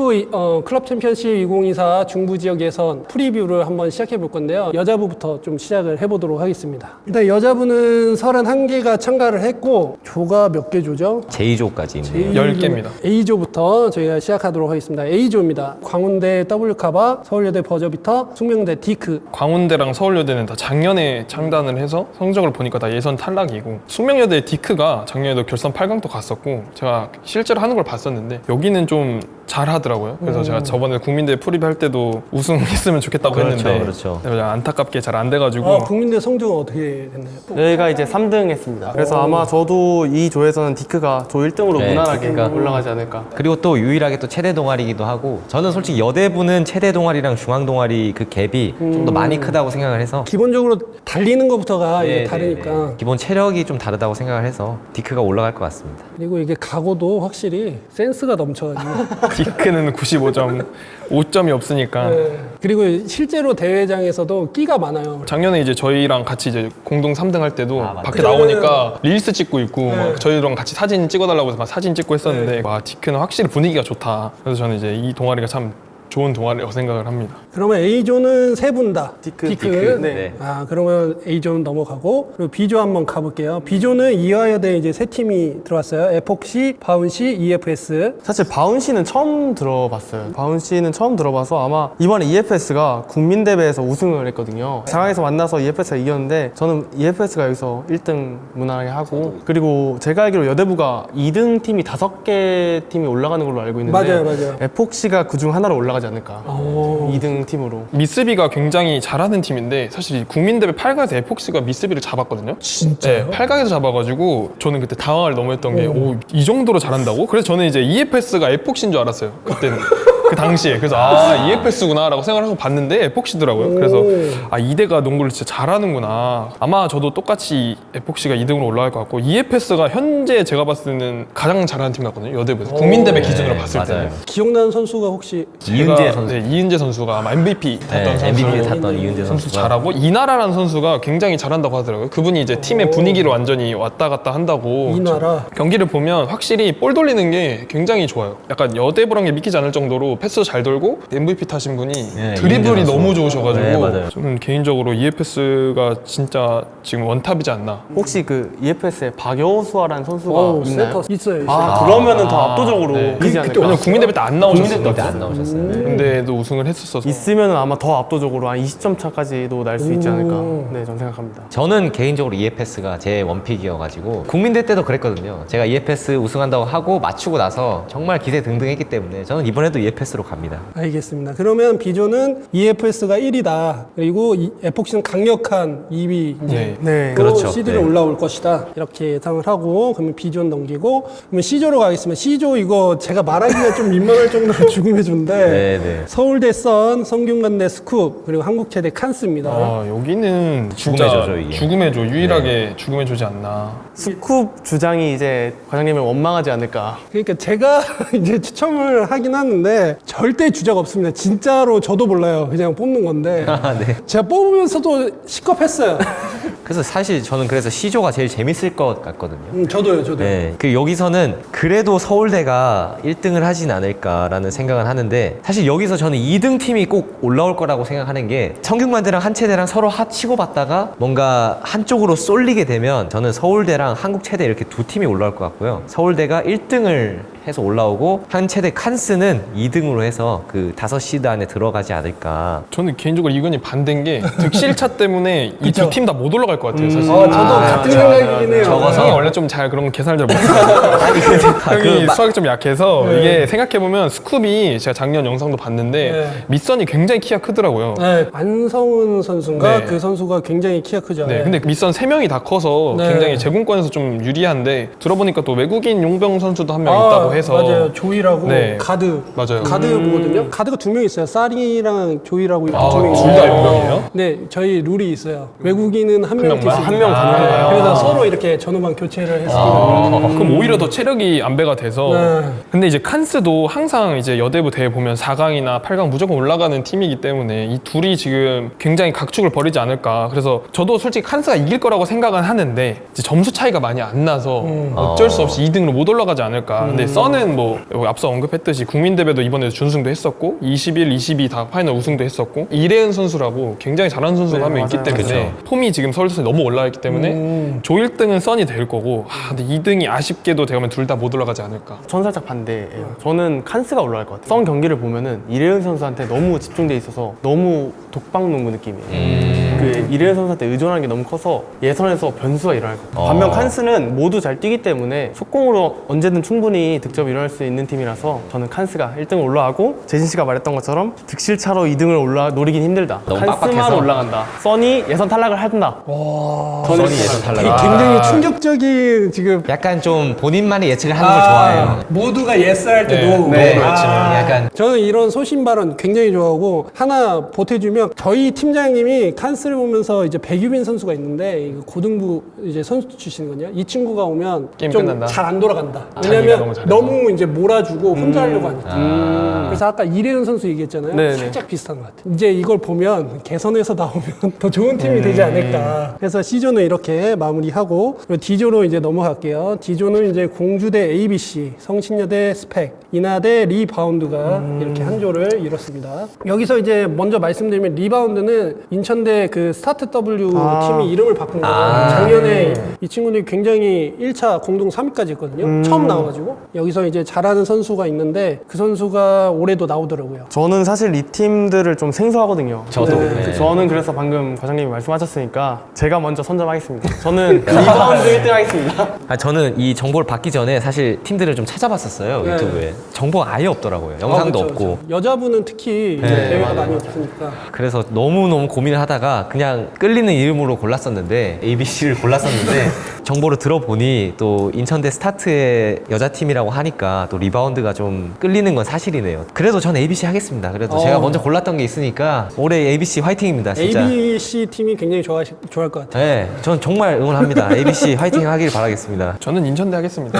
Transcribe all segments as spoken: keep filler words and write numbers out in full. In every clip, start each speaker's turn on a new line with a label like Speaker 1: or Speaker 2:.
Speaker 1: 디프 어, 클럽 챔피언십 이천이십사 중부 지역 예선 프리뷰를 한번 시작해 볼 건데요. 여자부부터 좀 시작을 해보도록 하겠습니다. 일단 여자부는 서른한 개가 참가를 했고 조가 몇 개 조죠?
Speaker 2: 제이조까지 있네요.
Speaker 3: 열 개입니다.
Speaker 1: A조부터 저희가 시작하도록 하겠습니다. A조입니다. 광운대 W카바, 서울여대 버저비터, 숙명대 디크.
Speaker 3: 광운대랑 서울여대는 다 작년에 창단을 해서 성적을 보니까 다 예선 탈락이고, 숙명여대 디크가 작년에도 결선 팔 강도 갔었고 제가 실제로 하는 걸 봤었는데 여기는 좀 잘하더라고요. 그래서
Speaker 1: 음.
Speaker 3: 제가 저번에 국민대 프리뷰 할 때도 우승했으면 좋겠다고
Speaker 2: 그렇죠,
Speaker 3: 했는데
Speaker 2: 그렇죠.
Speaker 3: 그냥 안타깝게 잘 안 돼가지고
Speaker 1: 아, 국민대 성적은 어떻게 됐나요?
Speaker 4: 저희가 이제 삼 등 했습니다. 그래서 아마 저도 이 조에서는 디크가 조 일 등으로
Speaker 2: 네,
Speaker 4: 무난하게
Speaker 2: 디크가.
Speaker 4: 올라가지 않을까.
Speaker 2: 그리고 또 유일하게 또 체대 동아리이기도 하고, 저는 솔직히 여대부는 체대 동아리랑 중앙 동아리 그 갭이 좀 더 많이 크다고 생각을 해서
Speaker 1: 기본적으로 달리는 것부터가
Speaker 2: 네,
Speaker 1: 이게
Speaker 2: 네,
Speaker 1: 다르니까.
Speaker 2: 네. 기본 체력이 좀 다르다고 생각을 해서 디크가 올라갈 것 같습니다.
Speaker 1: 그리고 이게 각오도 확실히 센스가 넘쳐가지고.
Speaker 3: 디크는 구십오 점, 오 점이 없으니까
Speaker 1: 네. 그리고 실제로 대회장에서도 끼가 많아요.
Speaker 3: 작년에 이제 저희랑 같이 이제 공동 삼 등 할 때도
Speaker 2: 아, 맞아요.
Speaker 3: 밖에 나오니까 릴스 찍고 있고
Speaker 1: 네.
Speaker 3: 막 저희랑 같이 사진 찍어달라고 해서 막 사진 찍고 했었는데 와, 디크는 확실히 분위기가 좋다. 그래서 저는 이제 이 동아리가 참 좋은 동아리라고 생각을 합니다.
Speaker 1: 그러면 A조는 세 분 다.
Speaker 4: 디크,
Speaker 1: 디크.
Speaker 4: 디크.
Speaker 2: 네.
Speaker 4: 네.
Speaker 1: 아, 그러면 A조는 넘어가고, 그리고 B조 한번 가볼게요. B조는 이화여대 이제 세 팀이 들어왔어요. 에폭시, 바운시, 이에프에스.
Speaker 4: 사실 바운시는 처음 들어봤어요. 바운시는 처음 들어봐서 아마 이번에 이에프에스가 국민대회에서 우승을 했거든요. 사 강에서 만나서 이에프에스가 이겼는데 저는 이에프에스가 여기서 일 등 무난하게 하고, 그리고 제가 알기로 여대부가 이 등 팀이 다섯 개 팀이 올라가는 걸로 알고 있는데
Speaker 1: 맞아요, 맞아요.
Speaker 4: 에폭시가 그중 하나로 올라가지 않을까.
Speaker 1: 오.
Speaker 4: 이 등 팀으로.
Speaker 3: 미스비가 굉장히 잘하는 팀인데 사실 국민대회 팔 강에서 에폭스가 미스비를 잡았거든요.
Speaker 1: 진짜요?
Speaker 3: 네, 팔 강에서 잡아가지고 저는 그때 당황을 너무 했던 게 오, 이 정도로 잘한다고? 그래서 저는 이제 이에프에스가 에폭시인 줄 알았어요. 그때는. 그 당시에. 그래서 아, 이에프에스구나 라고 생각을 하고 봤는데 에폭시더라고요. 그래서 아, 이대가 농구를 진짜 잘하는구나. 아마 저도 똑같이 에폭시가 이 등으로 올라갈 것 같고, 이에프에스가 현재 제가 봤을 때는 가장 잘하는 팀 같거든요. 여대부에서. 국민대회 기준으로
Speaker 2: 네,
Speaker 3: 봤을
Speaker 2: 맞아요.
Speaker 3: 때는.
Speaker 1: 기억나는 선수가 혹시
Speaker 2: 이은재
Speaker 3: 제가,
Speaker 2: 선수.
Speaker 3: 네, 이은재 선수가 아마 엠브이피 탔던
Speaker 2: 네,
Speaker 3: 선수.
Speaker 2: 엠브이피 탔던 이은재
Speaker 3: 선수
Speaker 2: 선수가
Speaker 3: 잘하고, 이나라라는 선수가 굉장히 잘한다고 하더라고요. 그분이 이제 팀의 분위기를 완전히 왔다 갔다 한다고.
Speaker 1: 이나라.
Speaker 3: 경기를 보면 확실히 볼 돌리는 게 굉장히 좋아요. 약간 여대부란 게 믿기지 않을 정도로 패스 잘 돌고 엠브이피 타신 분이
Speaker 2: 네,
Speaker 3: 드리블이
Speaker 2: 이은재 선수.
Speaker 3: 너무 좋으셔가지고
Speaker 2: 네, 맞아요.
Speaker 3: 저는 개인적으로 이에프에스가 진짜 지금 원탑이지 않나.
Speaker 4: 혹시 그 이에프에스에 박여수아라는 선수가
Speaker 1: 오,
Speaker 4: 있나요?
Speaker 1: 센터 있어요.
Speaker 4: 아,
Speaker 1: 있어요.
Speaker 4: 그러면은 더 압도적으로
Speaker 3: 네.
Speaker 4: 이기지 않을까.
Speaker 3: 왜냐면 국민대회 때 안 나오셨어요.
Speaker 2: 그때 안 나오셨어요. 네.
Speaker 3: 근데도 우승을 했었어서.
Speaker 4: 있으면은 아마 더 압도적으로 한 이십 점 차까지도 날 수 있지 않을까. 네, 저는 생각합니다.
Speaker 2: 저는 개인적으로 이에프에스가 제 원픽이어가지고 국민대 때도 그랬거든요. 제가 이에프에스 우승한다고 하고 맞추고 나서 정말 기세 등등했기 때문에 저는 이번에도 이에프에스로 갑니다.
Speaker 1: 알겠습니다. 그러면 B조는 이에프에스가 일 위다. 그리고 이 에폭시는 강력한 이 위 이제
Speaker 3: 네.
Speaker 4: 네.
Speaker 2: 그렇죠.
Speaker 1: 시드로
Speaker 2: 네.
Speaker 1: 올라올 것이다. 이렇게 예상을 하고, 그러면 B조는 넘기고, 그러면 C조로 가겠습니다. C조 이거 제가 말하기가 좀 민망할 정도로 죽음의 조인데
Speaker 2: 네, 네.
Speaker 1: 서울대 선, 성균관대 스쿱, 그리고 한국체대 칸스입니다.
Speaker 3: 아, 여기는
Speaker 2: 죽음의
Speaker 3: 진짜
Speaker 2: 조죠, 이게.
Speaker 3: 죽음의 조, 유일하게 죽음의 조지 않나.
Speaker 4: 스쿱 주장이 이제 과장님을 원망하지 않을까.
Speaker 1: 그러니까 제가 이제 추첨을 하긴 하는데 절대 주자가 없습니다. 진짜로 저도 몰라요. 그냥 뽑는 건데
Speaker 2: 아, 네.
Speaker 1: 제가 뽑으면서도 시겁했어요.
Speaker 2: 그래서 사실 저는 그래서 C조가 제일 재밌을 것 같거든요.
Speaker 1: 음, 저도요, 저도.
Speaker 2: 네, 그 여기서는 그래도 서울대가 일 등을 하진 않을까라는 생각은 하는데, 사실 여기서 저는 이 등 팀이 꼭 올라올 거라고 생각하는 게, 성균관대랑 한체대랑 서로 하 치고 받다가 뭔가 한쪽으로 쏠리게 되면 저는 서울대랑 한국체대 이렇게 두 팀이 올라올 것 같고요. 서울대가 일 등을 해서 올라오고 한체대 칸스는 이 등으로 해서 그 다섯 시드 안에 들어가지 않을까.
Speaker 3: 저는 개인적으로 이건이 반대인 게 득실차 때문에 이 두 팀 다 못 올라갈 것 같아요, 사실.
Speaker 1: 아, 저도
Speaker 2: 아,
Speaker 1: 같은
Speaker 2: 저-
Speaker 1: 생각이긴 해요.
Speaker 2: 적어서?
Speaker 3: 형이 원래 좀 잘 그런 계산을 잘 못해요.
Speaker 2: 아니 근데 다
Speaker 3: 형이
Speaker 2: 그 마-
Speaker 3: 수학이 좀 약해서 이게 생각해보면 스쿱이 제가 작년 영상도 봤는데
Speaker 1: 네.
Speaker 3: 밑선이 굉장히 키가 크더라고요.
Speaker 1: 네, 안성훈 선수인가
Speaker 3: 네.
Speaker 1: 그 선수가 굉장히 키가 크죠.
Speaker 3: 네, 근데 밑선 세 명이 다 커서
Speaker 1: 네.
Speaker 3: 굉장히 제공권에서 좀 유리한데, 들어보니까 또 외국인 용병 선수도 한 명
Speaker 1: 아,
Speaker 3: 있다고 해서.
Speaker 1: 맞아요. 조이라고
Speaker 3: 네.
Speaker 1: 가드.
Speaker 3: 맞아요.
Speaker 1: 가드거든요. 가드가 두 명 있어요. 쌀이랑 조이라고
Speaker 3: 아,
Speaker 1: 두 명
Speaker 3: 둘
Speaker 1: 있어요.
Speaker 3: 다 용병이에요?
Speaker 1: 네, 저희 룰이 있어요. 외국인은 한 명
Speaker 3: 명만?
Speaker 1: 뛸수
Speaker 3: 한
Speaker 1: 있어요.
Speaker 3: 명 가능한가요?
Speaker 1: 그래서 서로 이렇게 전후반 교체를 했습니다.
Speaker 3: 아, 그럼 오히려 더 체력이 안배가 돼서.
Speaker 1: 네.
Speaker 3: 근데 이제 칸스도 항상 이제 여대부 대회 보면 사 강이나 팔 강 무조건 올라가는 팀이기 때문에 이 둘이 지금 굉장히 각축을 벌이지 않을까. 그래서 저도 솔직히 칸스가 이길 거라고 생각은 하는데 이제 점수 차이가 많이 안 나서 어쩔 수 없이 이 등으로 못 올라가지 않을까. 근데 썬 써는 뭐 앞서 언급했듯이 국민대회도 이번에 준우승도 했었고 이십일, 이십이 다 파이널 우승도 했었고 이래은 선수라고 굉장히 잘하는 선수가
Speaker 4: 네,
Speaker 3: 한 명 있기
Speaker 4: 맞아요.
Speaker 3: 때문에 폼이 지금 서울대에서 너무 올라와 있기 때문에
Speaker 1: 음.
Speaker 3: 조 일 등은 써니 될 거고 아, 근데 이 등이 아쉽게도 되면 둘 다 못 올라가지 않을까.
Speaker 4: 전 살짝 반대예요. 저는 칸스가 올라갈 것 같아요. 선 경기를 보면은 이래은 선수한테 너무 집중돼 있어서 너무 독방농구 느낌이에요.
Speaker 2: 음.
Speaker 4: 그 이래은 선수한테 의존하는 게 너무 커서 예선에서 변수가 일어날 것 같아요.
Speaker 2: 어.
Speaker 4: 반면 칸스는 모두 잘 뛰기 때문에 속공으로 언제든 충분히 득점이 일어날 수 있는 팀이라서 저는 칸스가 일 등 올라가고 재진 씨가 말했던 것처럼 득실차로 이 등을 올라 노리긴 힘들다.
Speaker 2: 너무
Speaker 4: 칸스만
Speaker 2: 빡빡해서.
Speaker 4: 올라간다. 써니 예선 탈락을 한다.
Speaker 1: 와.
Speaker 4: 저는
Speaker 2: 써니 예선 탈락.
Speaker 1: 되게 굉장히 충격적인 지금
Speaker 2: 약간 좀 본인만의 예측을 하는 걸 좋아해요.
Speaker 1: 모두가 예스 할 때도
Speaker 3: 네, 네,
Speaker 1: 아,
Speaker 2: 약간
Speaker 1: 저는 이런 소신 발언 굉장히 좋아하고 하나 보태주면 저희 팀장님이 칸스를 보면서 이제 백유빈 선수가 있는데 이거 고등부 이제 선수 출신이거든요. 이 친구가 오면
Speaker 3: 게임
Speaker 1: 좀
Speaker 3: 끝난다?
Speaker 1: 잘 안 돌아간다.
Speaker 3: 자기가
Speaker 1: 왜냐면
Speaker 3: 너무 잘해서.
Speaker 1: 너무 이제 몰아주고 혼자 하려고 하니까.
Speaker 2: 아.
Speaker 1: 그래서 아까 이래은 선수 얘기했잖아요.
Speaker 4: 네네.
Speaker 1: 살짝 비슷한 것 같아요. 이제 이걸 보면 개선에서 나오면 더 좋은 팀이 되지 않을까. 그래서 C조는 이렇게 마무리하고 그리고 D조로 이제 넘어갈게요. D조는 이제 공주대 에이비씨, 성신여대 스펙, 인하대 리바운드가 이렇게 한 조를 이뤘습니다. 여기서 이제 먼저 말씀드리면 리바운드는 인천대 그 스타트 W
Speaker 4: 아.
Speaker 1: 팀이 이름을 바꾼 거예요.
Speaker 2: 아.
Speaker 1: 작년에 이 친구들이 굉장히 일 차 공동 삼 위까지 했거든요. 처음 나와가지고 여기서 이제 잘하는 선수가 있는데 그 선수가 올해도 나오더라고요.
Speaker 4: 저는 사실 이 팀들을 좀 생소하거든요.
Speaker 2: 저도.
Speaker 4: 네.
Speaker 2: 네.
Speaker 4: 저는 그래서 방금 과장님이 말씀하셨으니까 제가 먼저 선점하겠습니다. 저는 리바운드 일 등 하겠습니다.
Speaker 2: 아, 저는 이 정보를 받기 전에 사실 팀들을 좀 찾아봤었어요.
Speaker 1: 네.
Speaker 2: 유튜브에. 정보가 아예 없더라고요. 영상도
Speaker 1: 아, 그쵸,
Speaker 2: 없고.
Speaker 1: 그쵸. 여자분은 특히 이제
Speaker 2: 네,
Speaker 1: 대회가
Speaker 2: 맞아요.
Speaker 1: 많이 없으니까.
Speaker 2: 그래서 너무너무 고민을 하다가 그냥 끌리는 이름으로 골랐었는데 에이비씨를 골랐었는데 정보를 들어보니 또 인천대 스타트의 여자팀이라고 하니까 또 리바운드가 좀 끌리는 건 사실이네요. 그래도 전 에이비씨 하겠습니다. 그래도
Speaker 1: 어.
Speaker 2: 제가 먼저 골랐던 게 있으니까 올해 에이비씨 화이팅입니다. 진짜.
Speaker 1: 에이비씨 팀이 굉장히 좋아 좋아할 것 같아요.
Speaker 2: 네, 전 정말 응원합니다. 에이비씨 화이팅 하길 바라겠습니다.
Speaker 3: 저는 인천대 하겠습니다.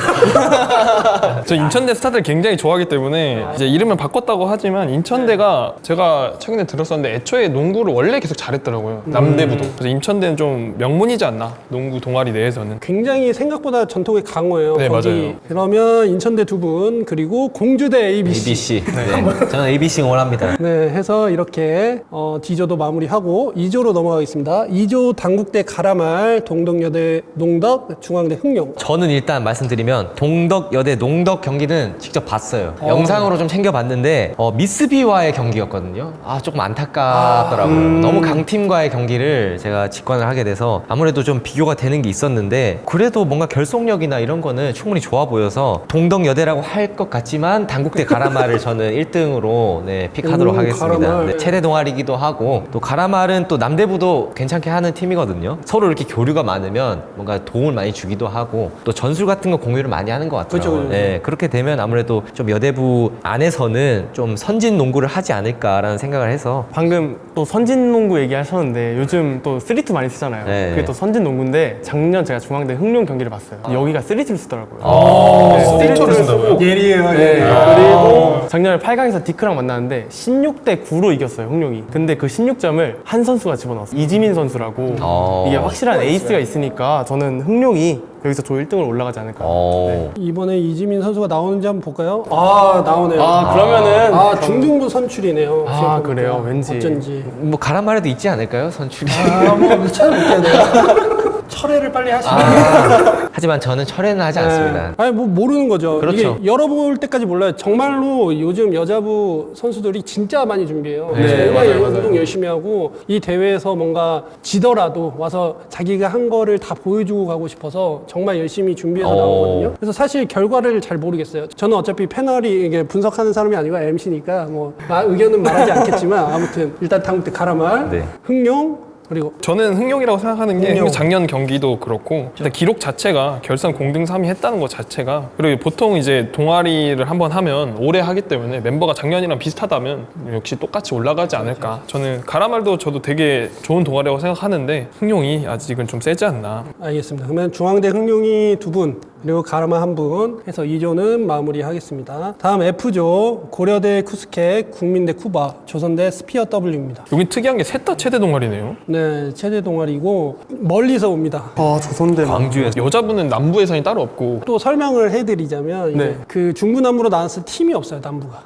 Speaker 3: 저 인천대 스타트를 굉장히 좋아하기 때문에 이제 이름을 바꿨다고 하지만 인천대가 제가 최근에 들었었는데 애초에 농구를 원래 계속 잘했더라고요. 남대부도. 그래서 인천대는 좀 명문이지 않나? 농구 동아리 내에서는.
Speaker 1: 굉장히 생각보다 전통이 강해요.
Speaker 3: 네,
Speaker 1: 거기.
Speaker 3: 맞아요.
Speaker 1: 그러면 인천대 두 분 그리고 공주대 에이비씨.
Speaker 2: 에이비씨. 네. 저는 에이비씨 응원합니다.
Speaker 1: 네, 해서 이렇게 어, D조도 마무리하고 이 조로 넘어가겠습니다. 이 조 당국대 가라말, 동덕여대 농덕, 중앙대 흥룡.
Speaker 2: 저는 일단 말씀드리면 동덕 여대 농덕 경기는 직접 봤어요.
Speaker 1: 어.
Speaker 2: 영상으로 좀 챙겨봤는데 어, 미스비와의 경기였거든요. 아 조금 안타깝더라고요. 너무 강팀과의 경기를 제가 직관을 하게 돼서 아무래도 좀 비교가 되는 게 있었는데 그래도 뭔가 결속력이나 이런 거는 충분히 좋아 보여서 동덕 여대라고 할 것 같지만 당국대 가라말을 저는 일 등으로 네, 픽하도록
Speaker 1: 오,
Speaker 2: 하겠습니다.
Speaker 1: 가라말.
Speaker 2: 네, 최대 동아리기도 하고 또 가라말은 또 남대부도 괜찮게 하는 팀이거든요. 서로 이렇게 교류가 많으면 뭔가 도움을 많이 주기도 하고 또 전술 같은 거 공유를 많이 하는 것 같아요.
Speaker 1: 그쵸, 그쵸.
Speaker 2: 네, 그렇게 되면 아무래도 좀 여대부 안에서는 좀 선진 농구를 하지 않을까라는 생각을 해서
Speaker 4: 방금 또 선진 농구 얘기하셨는데 요즘 또 쓰리투 많이 쓰잖아요.
Speaker 2: 네.
Speaker 4: 그게 또 선진 농구인데 작년 제가 중앙대 흥룡 경기를 봤어요. 여기가 쓰리투를 쓰더라고요.
Speaker 3: 스틸초를 쓴다고요?
Speaker 1: 예리해요.
Speaker 4: 네, 그리고 작년에 팔 강에서 디크랑 만났는데 십육 대 구로 이겼어요, 흥룡이. 근데 그 십육 점을 한 선수가 집어넣었어요. 이지민 선수라고.
Speaker 2: 어.
Speaker 4: 이게 확실한 에이스가 있으니까 저는 흥룡이 여기서 조 일 등을 올라가지 않을까.
Speaker 2: 어,
Speaker 1: 이번에 이지민 선수가 나오는지 한번 볼까요? 아, 나오네요.
Speaker 4: 아, 그러면은.
Speaker 1: 아, 중등부 선출이네요.
Speaker 4: 아,
Speaker 1: 생각해보니까.
Speaker 4: 그래요? 왠지.
Speaker 1: 어쩐지.
Speaker 2: 뭐 가라말에도 있지 않을까요? 선출이.
Speaker 1: 아, 뭐 찾아볼게요. 내가. 철회를 빨리 하시면.
Speaker 2: 하지만 저는 철회는 하지 않습니다.
Speaker 1: 네. 아니 뭐 모르는 거죠.
Speaker 2: 그렇죠.
Speaker 1: 이게 열어볼 때까지 몰라요. 정말로 요즘 여자부 선수들이 진짜 많이 준비해요.
Speaker 2: 네,
Speaker 1: 정말
Speaker 4: 맞아요, 맞아요.
Speaker 1: 운동 열심히 하고 이 대회에서 뭔가 지더라도 와서 자기가 한 거를 다 보여주고 가고 싶어서 정말 열심히 준비해서
Speaker 2: 오.
Speaker 1: 나오거든요. 그래서 사실 결과를 잘 모르겠어요. 저는 어차피 패널이 이게 분석하는 사람이 아니고 엠씨니까 뭐 마- 의견은 말하지 않겠지만 아무튼 일단 당국대 가라말,
Speaker 2: 네.
Speaker 1: 흥룡 그리고
Speaker 3: 저는 흥룡이라고 생각하는 게
Speaker 1: 흥룡.
Speaker 3: 작년 경기도 그렇고 일단 기록 자체가 결선 공등 삼 위 했다는 것 자체가 그리고 보통 이제 동아리를 한번 하면 오래 하기 때문에 멤버가 작년이랑 비슷하다면 역시 똑같이 올라가지 않을까. 저는 가라말도 저도 되게 좋은 동아리라고 생각하는데 흥룡이 아직은 좀 세지 않나.
Speaker 1: 알겠습니다. 그러면 중앙대 흥룡이 두 분, 그리고 가르마 한 분 해서 이 조는 마무리하겠습니다. 다음 F조 고려대 쿠스켓, 국민대 쿠바, 조선대 스피어 W입니다.
Speaker 3: 여기 특이한 게 셋 다 체대 동아리네요.
Speaker 1: 네, 체대 동아리고 멀리서 옵니다.
Speaker 4: 아 조선대
Speaker 2: 광주에서
Speaker 3: 여자분은 남부 예선이 따로 없고
Speaker 1: 또 설명을 해드리자면 이제
Speaker 4: 네.
Speaker 1: 그 중부남부로 나눴을 팀이 없어요, 남부가.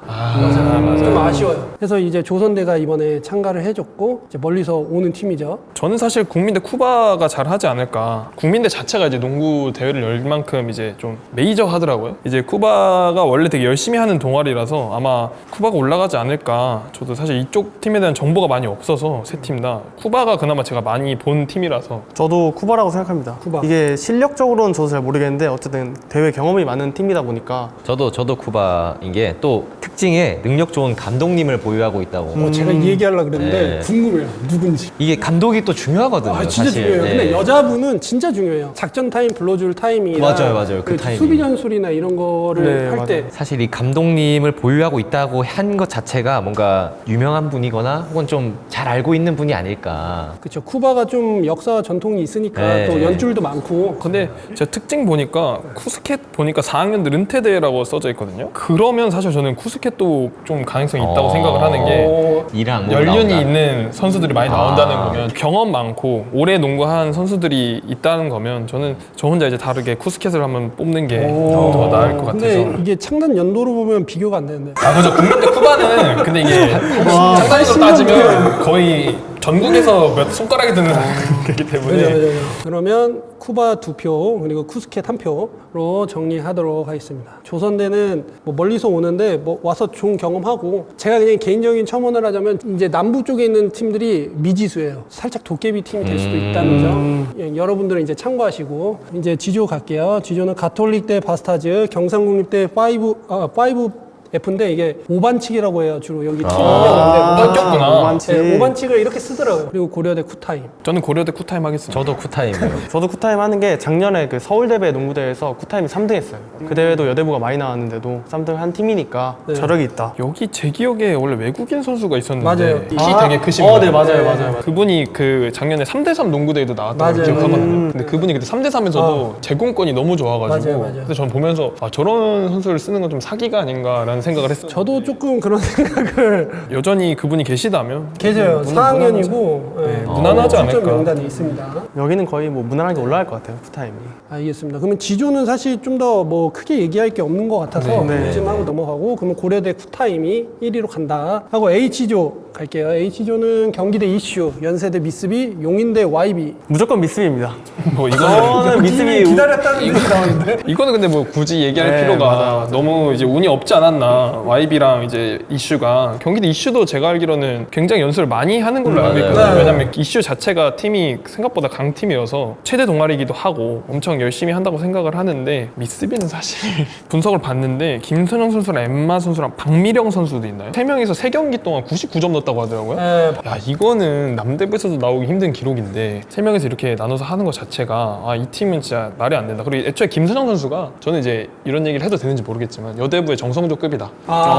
Speaker 3: 아,
Speaker 1: 좀 아쉬워요. 그래서 이제 조선대가 이번에 참가를 해줬고 이제 멀리서 오는 팀이죠.
Speaker 3: 저는 사실 국민대 쿠바가 잘하지 않을까. 국민대 자체가 이제 농구 대회를 열 만큼 이제 좀 메이저 하더라고요. 이제 쿠바가 원래 되게 열심히 하는 동아리라서 아마 쿠바가 올라가지 않을까. 저도 사실 이쪽 팀에 대한 정보가 많이 없어서 세 팀 다 쿠바가 그나마 제가 많이 본 팀이라서
Speaker 4: 저도 쿠바라고 생각합니다.
Speaker 1: 쿠바.
Speaker 4: 이게 실력적으로는 저도 잘 모르겠는데 어쨌든 대회 경험이 많은 팀이다 보니까
Speaker 2: 저도 저도 쿠바인 게 또 특징에 능력 좋은 감독님을 보유하고 있다고.
Speaker 1: 어, 제가 이 얘기하려고 그랬는데
Speaker 2: 네.
Speaker 1: 궁금해요. 누군지.
Speaker 2: 이게 감독이 또 중요하거든요.
Speaker 1: 아, 진짜
Speaker 2: 사실.
Speaker 1: 중요해요.
Speaker 2: 네.
Speaker 1: 근데 여자분은 진짜 중요해요. 작전 타임 불러줄 타이밍이나
Speaker 2: 맞아요, 맞아요. 그 타이밍.
Speaker 1: 수비 전술이나 이런 거를
Speaker 4: 네,
Speaker 1: 할 때
Speaker 2: 사실 이 감독님을 보유하고 있다고 한 것 자체가 뭔가 유명한 분이거나 혹은 좀 잘 알고 있는 분이 아닐까.
Speaker 1: 그렇죠. 쿠바가 좀 역사와 전통이 있으니까
Speaker 2: 네.
Speaker 1: 또 연줄도 많고.
Speaker 3: 근데 제가 특징 보니까 쿠스켓 보니까 사 학년들 은퇴대회라고 써져 있거든요. 그러면 사실 저는 쿠스켓도 좀 가능성이 있다고
Speaker 2: 어.
Speaker 3: 생각을 하는 게
Speaker 1: 어,
Speaker 2: 이랑 뭐
Speaker 3: 연륜이
Speaker 2: 나온다.
Speaker 3: 있는 선수들이 많이 나온다는
Speaker 2: 아.
Speaker 3: 거면 경험 많고 오래 농구한 선수들이 있다는 거면 저는 저 혼자 이제 다르게 쿠스켓을 한번 뽑는 게 더 나을 것
Speaker 1: 근데
Speaker 3: 같아서.
Speaker 1: 이게 창단 연도로 보면 비교가 안 되는데.
Speaker 3: 아 그죠. 국민대 쿠바는 근데 이게 장단으로 따지면 거의 전국에서 몇 손가락이 드는 거기 때문에
Speaker 1: 그죠, 그죠, 그죠. 그러면 쿠바 두 표 그리고 쿠스켓 한 표로 정리하도록 하겠습니다. 조선대는 뭐 멀리서 오는데 뭐 와서 좋은 경험하고 제가 그냥 개인적인 첨언을 하자면 이제 남부 쪽에 있는 팀들이 미지수예요. 살짝 도깨비 팀이 될 수도 있다는 점 예, 여러분들은 이제 참고하시고 이제 지조 갈게요. 지조는 가톨릭대 바스타즈, 경상국립대 파이브 아 파이브 F인데 이게 오반칙이라고 해요. 주로 여기 팀
Speaker 3: 아,
Speaker 1: 명인데
Speaker 3: 바뀌었구나.
Speaker 4: 오반칙.
Speaker 1: 네, 오반칙을 이렇게 쓰더라고요. 그리고 고려대 쿠타임.
Speaker 3: 저는 고려대 쿠타임 하겠습니다.
Speaker 2: 저도 쿠타임이에요.
Speaker 4: 저도 쿠타임 하는 게 작년에 그 서울대회 농구대회에서 쿠타임이 삼 등 했어요. 그 대회도 여대부가 많이 나왔는데도 삼 등 한 팀이니까
Speaker 1: 네.
Speaker 4: 저력이 있다.
Speaker 3: 여기 제 기억에 원래 외국인 선수가 있었는데
Speaker 1: 맞아요.
Speaker 3: 키
Speaker 4: 아,
Speaker 3: 되게 크신
Speaker 4: 어,
Speaker 3: 분.
Speaker 4: 네, 맞아요,
Speaker 1: 네.
Speaker 4: 맞아요, 맞아요.
Speaker 3: 그분이 그 작년에 삼 대 삼 농구대회도 나왔다고
Speaker 1: 맞아요.
Speaker 3: 기억하거든요.
Speaker 1: 음.
Speaker 3: 근데 그분이 그때 삼 대 삼에서도 제공권이 너무 좋아가지고
Speaker 1: 맞아요, 맞아요.
Speaker 3: 그래서 전 보면서 아, 저런 선수를 쓰는 건 좀 사기가 아닌가라는 생각을 했어요.
Speaker 1: 저도 조금 그런 생각을
Speaker 3: 여전히 그분이 계시다면
Speaker 1: 계세요.
Speaker 3: 음,
Speaker 1: 사 학년이고
Speaker 3: 네,
Speaker 1: 네,
Speaker 3: 무난하지
Speaker 1: 출전
Speaker 3: 않을까.
Speaker 1: 명단이 있습니다.
Speaker 4: 여기는 거의 뭐 무난하게 올라갈 것 같아요. 쿠타임이.
Speaker 1: 알겠습니다. 그러면 지조는 사실 좀 더 뭐 크게 얘기할 게 없는 것 같아서
Speaker 4: 네.
Speaker 1: 요즘 하고 넘어가고 그러면 고려대 쿠타임이 일 위로 간다 하고 H조 갈게요. H조는 경기대 이슈, 연세대 미쓰비, 용인대 와이비.
Speaker 4: 무조건 미스비입니다.
Speaker 3: 뭐 이거는
Speaker 4: 저는 미스비
Speaker 1: 기다렸다는 얘기 나오는데.
Speaker 3: 이거는 근데 뭐 굳이 얘기할
Speaker 4: 네,
Speaker 3: 필요가
Speaker 4: 맞아요, 맞아요.
Speaker 3: 너무 이제 운이 없지 않았나. 와이비랑 이제 이슈가 경기도 이슈도 제가 알기로는 굉장히 연습을 많이 하는 걸로 알고 있거든요.
Speaker 1: 네.
Speaker 3: 왜냐면 이슈 자체가 팀이 생각보다 강팀이어서 최대 동아리기도 하고 엄청 열심히 한다고 생각을 하는데 미쓰비는 사실 분석을 봤는데 김선영 선수랑 엠마 선수랑 박미령 선수도 있나요? 세 명이서 세 경기 동안 구십구 점 넣었다고 하더라고요.
Speaker 1: 네,
Speaker 3: 야 이거는 남대부에서도 나오기 힘든 기록인데 세 명에서 이렇게 나눠서 하는 것 자체가 아, 이 팀은 진짜 말이 안 된다. 그리고 애초에 김선영 선수가 저는 이제 이런 얘기를 해도 되는지 모르겠지만 여대부의 정성조급이다.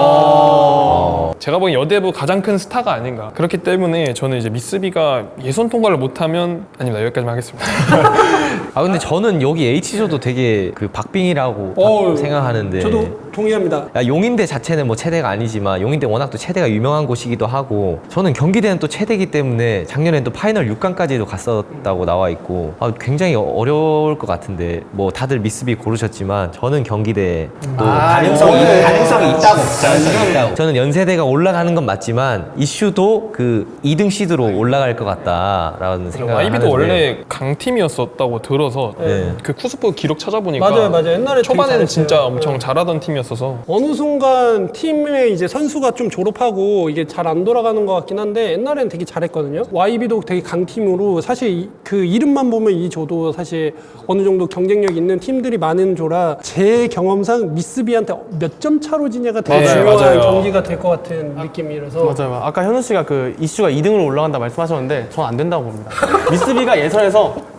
Speaker 1: 아,
Speaker 3: 제가 보기엔 여대부 가장 큰 스타가 아닌가. 그렇기 때문에 저는 이제 미쓰비가 예선 통과를 못하면 아닙니다. 여기까지만 하겠습니다.
Speaker 2: 아 근데 저는 여기 H조도 되게 그 박빙이라고
Speaker 1: 어,
Speaker 2: 생각하는데.
Speaker 1: 저도 동의합니다.
Speaker 2: 야, 용인대 자체는 뭐 체대가 아니지만 용인대 워낙 또 체대가 유명한 곳이기도 하고 저는 경기대는 또 체대이기 때문에 작년엔 또 파이널 육 강까지도 갔었다고 나와 있고 아, 굉장히 어려울 것 같은데 뭐 다들 미쓰비 고르셨지만 저는 경기대 또 가능성이, 가능성이 있다고 가능성이 있다고 저는 연세대가 올라가는 건 맞지만 이슈도 그 이 등 시드로 올라갈 것 같다라는 생각을
Speaker 3: 와이비도
Speaker 2: 하는데
Speaker 3: 원래 강팀이었었다고 들어서
Speaker 2: 네.
Speaker 3: 그 쿠스포 기록 찾아보니까
Speaker 1: 맞아요, 맞아요. 옛날에 되게
Speaker 3: 초반에는
Speaker 1: 잘했어요.
Speaker 3: 진짜 엄청
Speaker 1: 네.
Speaker 3: 잘하던 팀이었어서
Speaker 1: 어느 순간 팀에 이제 선수가 좀 졸업하고 이게 잘 안 돌아가는 것 같긴 한데 옛날에는 되게 잘했거든요. 와이비도 되게 강팀으로 사실 이- 그 이름만 보면 이 조도 사실 어느 정도 경쟁력 있는 팀들이 많은 조라 제 경험상 미쓰비한테 몇 점 차로 지냐가 되게
Speaker 3: 맞아요,
Speaker 1: 중요한
Speaker 3: 맞아요.
Speaker 1: 경기가 될 것 같은 느낌이라서
Speaker 4: 맞아요. 아까 현우 씨가 그 이슈가 이 등으로 올라간다 말씀하셨는데 전 안 된다고 봅니다. 미쓰비가 예선에서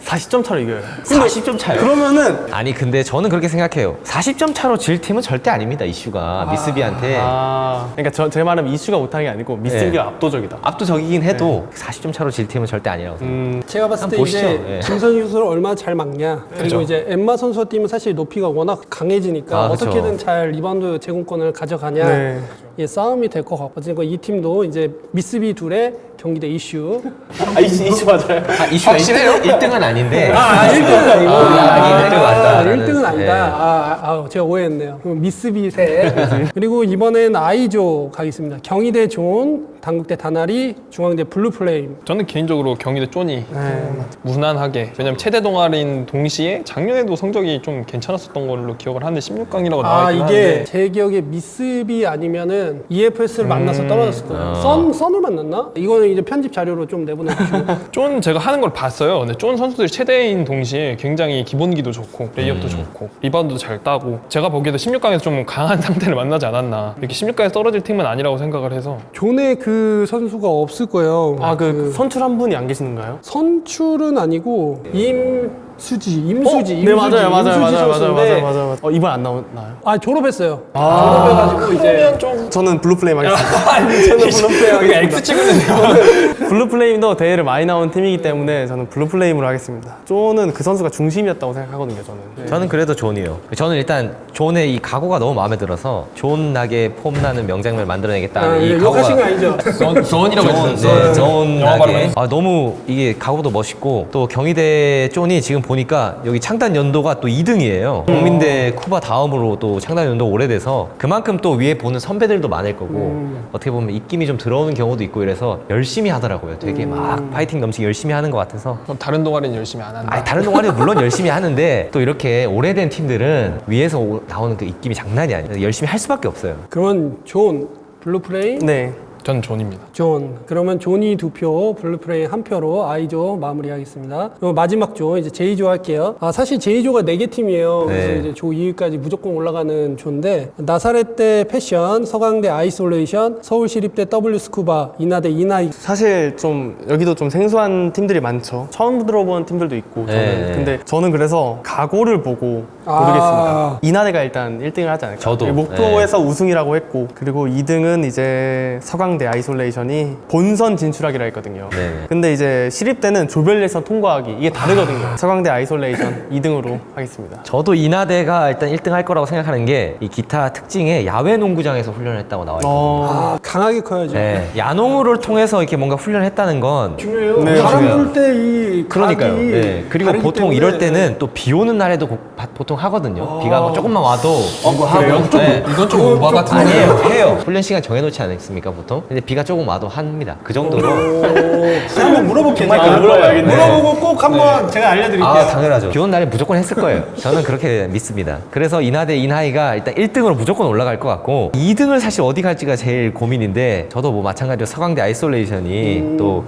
Speaker 4: 사십 점 차로 이겨요.
Speaker 2: 사십 점 차요?
Speaker 4: 그러면은
Speaker 2: 아니 근데 저는 그렇게 생각해요. 사십 점 차로 질 팀은 절대 아닙니다. 이슈가 미쓰비한테
Speaker 4: 아 그러니까 저, 제 말은 이슈가 못한 게 아니고 미쓰비가
Speaker 2: 네.
Speaker 4: 압도적이다.
Speaker 2: 압도적이긴 해도 사십 점 차로 질 팀은 절대 아니라고 생각해요.
Speaker 4: 음,
Speaker 1: 제가 봤을 때
Speaker 2: 한번
Speaker 1: 이제
Speaker 2: 보시죠. 예.
Speaker 1: 김선희 선수를 얼마나 잘 막냐 그리고
Speaker 3: 그죠.
Speaker 1: 이제 엠마 선수 팀은 사실 높이가 워낙 강해지니까
Speaker 2: 아, 그쵸.
Speaker 1: 어떻게든 잘 리바운드 제공권을 가져가냐
Speaker 4: 네.
Speaker 1: 예, 싸움이 될 것 같거든요. 이 팀도 이제 미쓰비 둘의 경기대 이슈
Speaker 4: 아 이슈, 이슈 맞아요.
Speaker 2: 아, 이슈가 일 등은 아닌데
Speaker 1: 아, 일 등은 아니고.
Speaker 2: 아, 일 등은 맞다.
Speaker 1: 일 등은 아니다.
Speaker 2: 네.
Speaker 1: 아, 아, 제가 오해했네요. 그럼 미쓰비 세. 그리고 이번엔 아이조 가겠습니다. 경희대 존, 당국대 다나리, 중앙대 블루플레임.
Speaker 3: 저는 개인적으로 경희대 쪼니
Speaker 4: 네.
Speaker 3: 무난하게 왜냐면 최대 동아리인 동시에 작년에도 성적이 좀 괜찮았었던 걸로 기억을 하는데 십육 강이라고 나와
Speaker 1: 아,
Speaker 3: 있긴
Speaker 1: 이게
Speaker 3: 한데
Speaker 1: 제 기억에 미쓰비 아니면은 이에프에스를 만나서 떨어졌을 거예요. 썬, 썬을 만났나? 이거는 이제 편집 자료로 좀 내보내주시고.
Speaker 3: 쫀 제가 하는 걸 봤어요. 근데 쫀 선수들이 최대인 동시에 굉장히 기본기도 좋고 레이업도 좋고 리바운드도 잘 따고 제가 보기에도 십육 강에서 좀 강한 상태를 만나지 않았나. 이렇게 십육 강에서 떨어질 팀은 아니라고 생각을 해서
Speaker 1: 존에 그 선수가 없을 거예요.
Speaker 4: 아그 선출 한 분이 안 계시는가요?
Speaker 1: 선출은 아니고 임수지, 임수지, 임수지,
Speaker 4: 네 맞아요, 맞아요,
Speaker 1: 임수지
Speaker 4: 맞아요, 맞아요,
Speaker 1: 선수인데
Speaker 4: 맞아요, 맞아요, 맞아요. 어, 이번 안 나오나요?
Speaker 1: 아 졸업했어요. 졸업해가지고 이제
Speaker 4: 저는 블루플레임 하겠습니다. 저는 블루플레임
Speaker 3: 우리가
Speaker 4: 하겠습니다.
Speaker 3: X 찍으면
Speaker 4: 블루플레임도 대회를 많이 나온 팀이기 때문에 저는 블루플레임으로 하겠습니다. 쪼는 그 선수가 중심이었다고 생각하거든요, 저는. 네.
Speaker 2: 저는 그래도 존이요. 저는 일단 존의 이 각오가 너무 마음에 들어서 존나게 폼나는 명장면을 만들어내겠다는
Speaker 1: 아,
Speaker 2: 이
Speaker 1: 예,
Speaker 2: 각오가
Speaker 1: 욕하신 거 아니죠?
Speaker 3: 존이라고
Speaker 2: 네,
Speaker 3: 영어 발음은
Speaker 2: 존나게 아, 너무 이게 각오도 멋있고 또 경희대 존이 지금 보니까 여기 창단 연도가 또 이 등이에요. 국민대 쿠바 다음으로 또 창단 연도 오래돼서 그만큼 또 위에 보는 선배들도 많을 거고 어떻게 보면 입김이 좀 들어오는 경우도 있고 이래서 열심히 하더라고요. 되게 막 파이팅 넘치게 열심히 하는 것 같아서
Speaker 3: 그럼 다른 동아리는 열심히 안 한다.
Speaker 2: 아니, 다른 동아리도 물론 열심히 하는데 또 이렇게 오래된 팀들은 위에서 오- 나오는 그 입김이 장난이 아니에요. 열심히 할 수밖에 없어요.
Speaker 1: 그러면 존, 블루플레임,
Speaker 4: 네.
Speaker 3: 전 존입니다.
Speaker 1: 존. 그러면 존이 두 표, 블루플레임 한 표로 아이조 마무리하겠습니다. 그리고 마지막 조, 이제 제이조 할게요. 아, 사실 제이조가 네 개 팀이에요. 그래서
Speaker 2: 네.
Speaker 1: 이제 조 이 위까지 무조건 올라가는 조인데, 나사렛대 패션, 서강대 아이솔레이션, 서울시립대 W 스쿠바, 인하대 인하이.
Speaker 4: 사실 좀 여기도 좀 생소한 팀들이 많죠. 처음 들어본 팀들도 있고 저는.
Speaker 2: 네.
Speaker 4: 근데 저는 그래서 각오를 보고
Speaker 1: 아.
Speaker 4: 고르겠습니다. 이나대가 일단 일 등을 하지 않을까.
Speaker 2: 저도.
Speaker 4: 목표에서 우승이라고 했고 그리고 이 등은 이제 서강대 아이솔레이션이 본선 진출하기로 했거든요.
Speaker 2: 네.
Speaker 4: 근데 이제 시립대는 조별 예선 통과하기 이게 다르거든요. 서강대 아이솔레이션 이 등으로 하겠습니다.
Speaker 2: 저도 인하대가 일단 일 등 할 거라고 생각하는 게 이 기타 특징에 야외 농구장에서 훈련을 했다고 나와 있거든요.
Speaker 4: 어...
Speaker 1: 아, 강하게 커야죠.
Speaker 2: 네, 야농을 통해서 이렇게 뭔가 훈련을 했다는 건
Speaker 1: 중요해요.
Speaker 4: 네,
Speaker 1: 바람
Speaker 2: 중요해요.
Speaker 1: 불 때 이
Speaker 2: 그러니까요.
Speaker 1: 각이
Speaker 2: 네. 그리고
Speaker 1: 다르기
Speaker 2: 보통
Speaker 1: 때문에
Speaker 2: 이럴 때는 또 비 오는 날에도 고- 바- 보통 하거든요. 비가 뭐 조금만 와도
Speaker 3: 그래요?
Speaker 2: 하고 네.
Speaker 3: 이건 좀 오바 같은데.
Speaker 2: 아니에요. 해요. 훈련 시간 정해놓지 않습니까 보통? 근데 비가 조금 와도 합니다. 그 정도로.
Speaker 1: 제가 한번 물어볼게요.
Speaker 4: 정말
Speaker 1: 제가.
Speaker 4: 물어봐야겠네.
Speaker 1: 물어보고 꼭 한번 제가 알려드릴게요.
Speaker 2: 아 당연하죠. 비 오는 날에 무조건 했을 거예요. 저는 그렇게 믿습니다. 그래서 인하대 인하이가 일단 일 등으로 무조건 올라갈 것 같고 이 등을 사실 어디 갈지가 제일 고민인데 저도 뭐 마찬가지로 서강대 아이솔레이션이
Speaker 1: 음.
Speaker 2: 또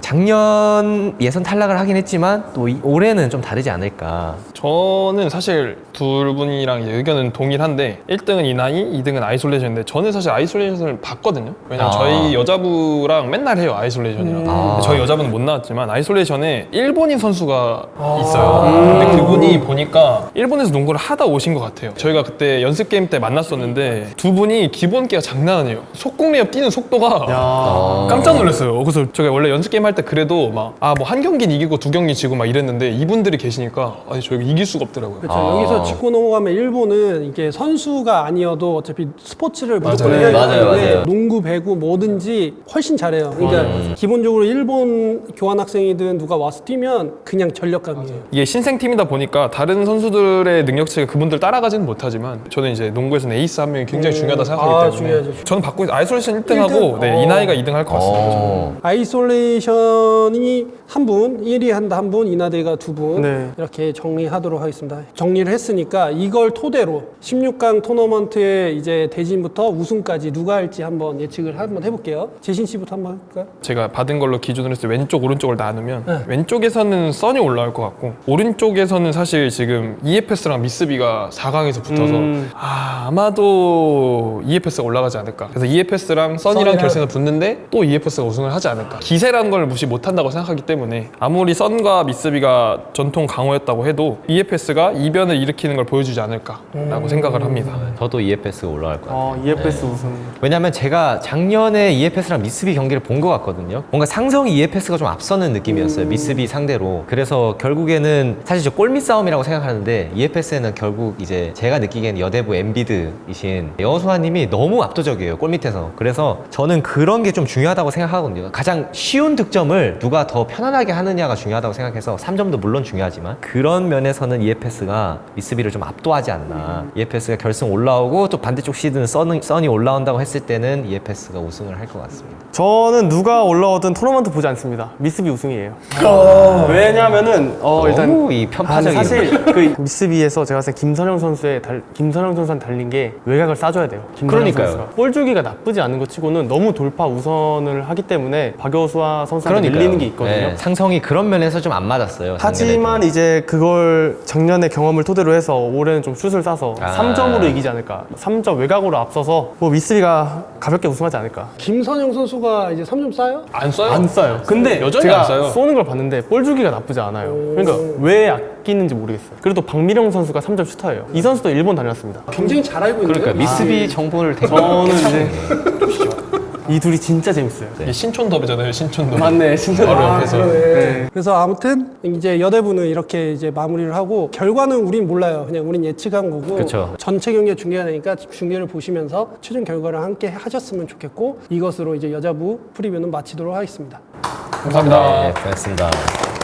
Speaker 2: 작년 예선 탈락을 하긴 했지만 또 이- 올해는 좀 다르지 않을까.
Speaker 3: 저는 사실 두 분이랑 이제 의견은 동일한데 일 등은 이나이, 이 등은 아이솔레이션인데 저는 사실 아이솔레이션을 봤거든요. 왜냐면
Speaker 2: 아.
Speaker 3: 저희 여자부랑 맨날 해요 아이솔레이션이랑.
Speaker 2: 아.
Speaker 3: 저희 여자분은 못 나왔지만 아이솔레이션에 일본인 선수가 있어요. 근데 그분이 보니까 일본에서 농구를 하다 오신 것 같아요. 저희가 그때 연습 게임 때 만났었는데 두 분이 기본기가 장난 아니에요. 속공레이업 뛰는 속도가
Speaker 4: 야...
Speaker 3: 깜짝 놀랐어요. 그래서 제가 원래 연습 게임 할 때 그래도 막 아 뭐 한 경기는 이기고 두 경기 지고 막 이랬는데 이분들이 계시니까 아니 저 이거 이길 수가 없더라고요.
Speaker 1: 그렇죠.
Speaker 2: 아.
Speaker 1: 여기서 짚고 넘어가면 일본은 이게 선수가 아니어도 어차피 스포츠를 무조건
Speaker 3: 맞아요.
Speaker 1: 해야 되기
Speaker 2: 맞아요,
Speaker 1: 때문에
Speaker 2: 맞아요.
Speaker 1: 농구, 배구 뭐든지 훨씬 잘해요. 그러니까 기본적으로 일본 교환 학생이든 누가 와서 뛰면 그냥 전력감이에요.
Speaker 3: 이게 신생팀이다 보니까 다른 선수들의 능력치가 그분들 따라가지는 못하지만 저는 이제 농구에서는 에이스 한 명이 굉장히 중요하다 생각하기
Speaker 1: 아,
Speaker 3: 때문에
Speaker 1: 중요하죠.
Speaker 3: 저는 받고 있- 아이솔레이션 일 등하고
Speaker 1: 일 등?
Speaker 3: 네, 이나이가 이 등 할 것 같습니다. 저는.
Speaker 2: 어.
Speaker 1: 아이솔레이션이 한 분, 일 위 한다 한 분, 이나대가 두 분
Speaker 4: 네.
Speaker 1: 이렇게 정리하도록 하겠습니다. 정리를 했으니까 이걸 토대로 십육 강 토너먼트의 이제 대진부터 우승까지 누가 할지 한번 예측을 한번 해볼게요. 있어요. 재신 씨부터 한번 할까요?
Speaker 3: 제가 받은 걸로 기준으로 했을 때 왼쪽 오른쪽을 나누면
Speaker 1: 네.
Speaker 3: 왼쪽에서는 써니 올라올 것 같고 오른쪽에서는 사실 지금 이에프에스랑 미쓰비가 사 강에서 붙어서
Speaker 4: 음.
Speaker 3: 아, 아마도 이에프에스가 올라가지 않을까. 그래서 이에프에스랑 써니랑
Speaker 1: 써니랑-
Speaker 3: 결승에서 붙는데 또 이에프에스가 우승을 하지 않을까. 기세라는 걸 무시 못한다고 생각하기 때문에 아무리 써니와 미쓰비가 전통 강호였다고 해도 이에프에스가 이변을 일으키는 걸 보여주지 않을까라고 생각을 합니다.
Speaker 2: 저도 이에프에스가 올라갈 것 같아요.
Speaker 4: 어, 이에프에스 우승.
Speaker 2: 왜냐면 제가 작년에 이에프에스랑 미쓰비 경기를 본 것 같거든요. 뭔가 상성이 이에프에스가 좀 앞서는 느낌이었어요. 미쓰비 상대로. 그래서 결국에는 사실 저 골밑 싸움이라고 생각하는데 이에프에스는 결국 이제 제가 느끼기에는 여대부 엠비드이신 여호수아님이 너무 압도적이에요. 골밑에서. 그래서 저는 그런 게 좀 중요하다고 생각하거든요. 가장 쉬운 득점을 누가 더 편안하게 하느냐가 중요하다고 생각해서 삼 점도 물론 중요하지만 그런 면에서는 이에프에스가 미쓰비를 좀 압도하지 않나. 이에프에스가 결승 올라오고 또 반대쪽 시드는 써니, 써니 올라온다고 했을 때는 이에프에스가 우승을 할 것 같습니다.
Speaker 4: 저는 누가 올라오든 토너먼트 보지 않습니다. 미쓰비 우승이에요. 왜냐면은 어 일단
Speaker 2: 너무 이
Speaker 4: 아, 근데
Speaker 2: 편파적인
Speaker 4: 사실 그 미쓰비에서 제가 봤을 때 김선영 선수의 달, 김선영 선수한테 달린 게 외곽을 싸줘야 돼요. 김선영
Speaker 2: 그러니까요.
Speaker 4: 선수가. 볼 주기가 나쁘지 않은 것 치고는 너무 돌파 우선을 하기 때문에 박여수와 선수한테
Speaker 2: 그러니까요.
Speaker 4: 밀리는 게 있거든요.
Speaker 2: 네, 상성이 그런 면에서 좀 안 맞았어요.
Speaker 4: 하지만
Speaker 2: 작년에도.
Speaker 4: 이제 그걸 작년의 경험을 토대로 해서 올해는 좀 슛을 쏴서
Speaker 2: 아.
Speaker 4: 삼 점으로 이기지 않을까. 삼 점 외곽으로 앞서서 뭐 미쓰비가 가볍게 우승하지 않을까.
Speaker 1: 김선영 선수가 이제 삼 점 쏴요?
Speaker 3: 안 써요?
Speaker 4: 안 쏴요. 근데
Speaker 3: 여전히
Speaker 4: 제가
Speaker 3: 안 쏴요.
Speaker 4: 쏘는 걸 봤는데 볼 주기가 나쁘지 않아요. 그러니까 왜 아끼는지 모르겠어요. 그래도 박미령 선수가 삼 점 슈터예요. 이 선수도 일본 다녔습니다.
Speaker 1: 굉장히 잘 알고 있는데.
Speaker 2: 그러니까 미쓰비 정보를 되게
Speaker 4: 저는
Speaker 2: 깨끗하게
Speaker 4: 이제 이 둘이 진짜 재밌어요.
Speaker 3: 이게 신촌 더비잖아요. 신촌 더비.
Speaker 4: 맞네, 진짜.
Speaker 3: 바로
Speaker 4: 아,
Speaker 3: 옆에서.
Speaker 1: 네. 그래서 아무튼 이제 여대부는 이렇게 이제 마무리를 하고 결과는 우린 몰라요. 그냥 우린 예측한 거고
Speaker 2: 그쵸.
Speaker 1: 전체 경기가 중계가 되니까 중계를 보시면서 최종 결과를 함께 하셨으면 좋겠고 이것으로 이제 여자부 프리뷰는 마치도록 하겠습니다.
Speaker 3: 감사합니다.
Speaker 2: 네, 고맙습니다.